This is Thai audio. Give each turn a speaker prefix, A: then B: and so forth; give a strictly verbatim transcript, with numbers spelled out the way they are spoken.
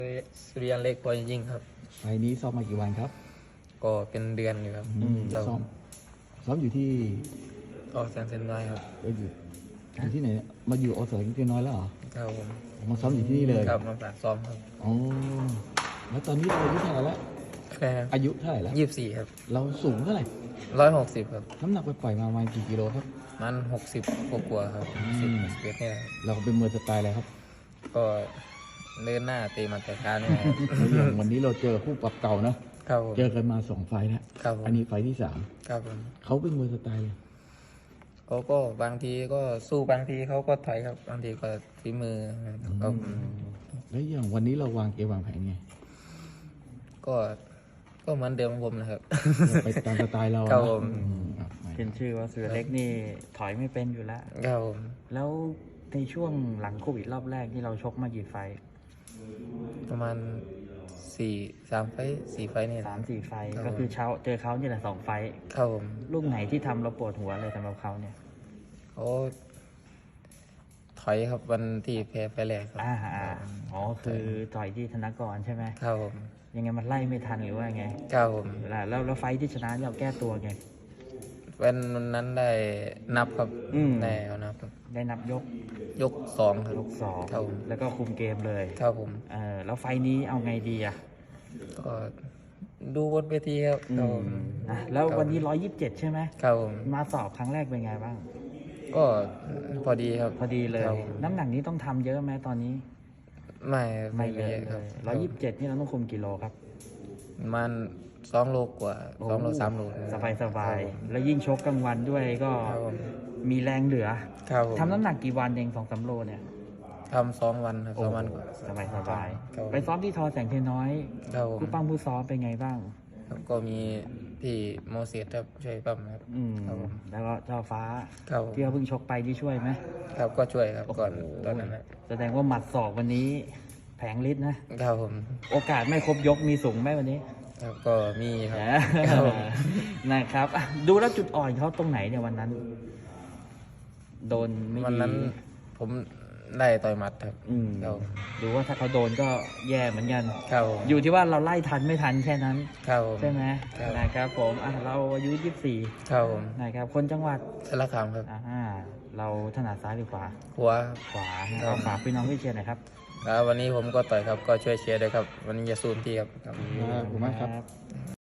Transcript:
A: สุริยันเล็กพอจริงๆครับ
B: ไฟล์นี้ซ้อมมากี่วันครับ
A: ก็เป็นเดือนอยู่ครับ
B: อืม
A: เรา
B: ซ้อมซ้อมอยู่ที่
A: ออกแสนเซนน้อยครับ
B: เอ้ยอยู่อยู่ที่ไหนเนี่ยมาอยู่อสนิดน้อยแล้วเหรอ
A: ครับผม
B: มาซ้อมอยู่ที่นี่เลย
A: ครับมาฝากซ้อมครับ
B: อ๋อแล้วตอนนี้เราอายุเท่าไหร่แล้ว
A: แค่
B: อายุเท่าไหร่แล้ว
A: ยี่สิบสี่ครับ
B: เราสูงเท่าไหร่
A: ร้อยหกสิบครับ
B: น้ำหนักไปปล่อยๆมาประมาณกี่กิโลครับ
A: มันหกสิบกว่าๆครับ
B: อื
A: สิบ
B: ม
A: สิบเอ็ดเนี่ยครับ
B: เราเป็นมวยสไตล์อะไรครับ
A: ก็เดินหน้าตีหมาแต่การเนี่ยครับ
B: แล้วอย่างวันนี้เราเจอคู่ปรับเก่านะครับ
A: ผม
B: เจอกันมาสองไฟล์แล้ว
A: ครับผม
B: อันนี้ไฟล์ที่สาม
A: ครับผม
B: เขาเป็นมวยสไตล์เลย
A: เขาก็บางทีก็สู้บางทีเขาก็ถอยครับบางทีก็ฝีมือครับ
B: แล้วอย่างวันนี้เราวางเกมวางแผนไง
A: ก็ก็เหมือนเดิมของผมนะครับ
B: ไปตามสไตล์เรา
A: ครับ
B: นะ
A: ผม
B: อืมครับ
C: ขึ้นชื่อว่าเสือเล็กนี่ถอยไม่เป็นอยู่แล้ว
A: ครับผม
C: แล้วในช่วงหลังโควิดรอบแรกที่เราชกมากี่ไฟท์
A: ประมาณสี่สามไฟต์สี่ไฟต์เนี่ย
C: สามสี่ไฟท์
A: ครับ
C: ก็คือเช้าเจอเขานี่แหละสองไฟท์
A: ครับผม
C: ลูกไหนที่ทำเราปวดหัวเลยสำหรับเขาเนี่ย
A: เขาถอยครับวันที่แพ้ไปแรกครับ
C: อ่าอ่าอ๋อคือต่อยที่ธนกรใช่ไหม
A: ครับผม
C: ยังไงมันไล่ไม่ทันหรือว่าไง
A: ครับผม
C: แล้วแล้วแล้วไฟท์ที่ชนะเราแก้ตัวไง
A: วันนั้นได้นับครับ
C: อืม
A: ได้เอานับครับ
C: ได้นับยก
A: ยกสองครับ
C: ยกสอง
A: ครับผม
C: แล้วก็คุมเกมเลย
A: ครับผม
C: เออแล้วไฟท์นี้เอาไงดีอ่ะ
A: ก็ดูบนเวทีครับ
C: อื
A: ครับ
C: ม
A: ผม
C: นะแล้ว
A: ครับ
C: วันนี้ร้อยยี่สิบเจ็ดใช่ไหม
A: ครับผม
C: มาสอบครั้งแรกเป็นไงบ้าง
A: ก็พอดีครับ
C: พอดีเลย
A: ครับผม
C: น้ำหนักนี้ต้องทำเยอะไหมตอนนี้
A: ไม่
C: ไม่
A: ไม่
C: เย
A: เย
C: อะ
A: อะ
C: เล
A: ครับ
C: ยร้อยยี่สิบเจ็ดนี่เราต้องคุมกิโลครับ
A: ประมันสองโลกว่าสองโลสามโล
C: สบายสบาย
A: ครับผม
C: แล้วยิ่งชกกลางวันด้วยก็
A: ครับผม
C: มีแรงเหลือ
A: ครับผม
C: ทำน้ำหนักกี่วันเองสองสามโลเนี่ย
A: ทำสองวันครับสองวันกว่า
C: สบายสบาย
A: ครับ
C: ไปซ้อมที่ทอแสงเทน้อย
A: ครับผม
C: ผู้ปั้มผู้ซ้อมเป็นไงบ้าง
A: ครับก็มีพี่โมเสสครับช่วยปั้มครับ
C: อืม
A: ครับผม
C: แล้วก็เจ้าฟ้า
A: ครับผม
C: ที่เขาเพิ่งชกไปที่ช่วยไหม
A: ครับก็ช่วยครับก่อนตอนนั้นนะ
C: แสดงว่าหมัดศอกวันนี้แผงฤทธิ์นะ
A: ครับผม
C: โอกาสไม่ครบยกมีสูงไหมวันนี้
A: ครับก็มีครับ
C: นะครับ นะครับอ่ะดูแล้วจุดอ่อนเขาตรงไหนเนี่ยวันนั้น โดนไม่ดี
A: วันนั้นผมได้ต่อยหมัดครับ
C: อืม
A: ครับ
C: ดูว่าถ้าเขาโดนก็แย่เหมือนกัน
A: ครับผม
C: อยู่ที่ว่าเราไล่ทันไม่ทันแค่นั้น
A: ครับผม
C: ใช่ไหม
A: ครับ
C: นะครับผมอ่ะเราอายุยี่สิบสี่
A: ครับผม
C: นะครับคนจังหวัด
A: สารคามครับ
C: อ่าเราถนัดซ้ายหรือขวา
A: หัว
C: ขวานะ
A: ครั
C: เรา
A: บ
C: ฝากพี่น้องพี่เชียร์หน่อยครับ
A: ครับวันนี้ผมก็ต่อยครับก็ช่วยเชียร์ด้วยครับ วันนี้จะสู้เต็มที่ครับครับ
B: ขอบคุณมากครับ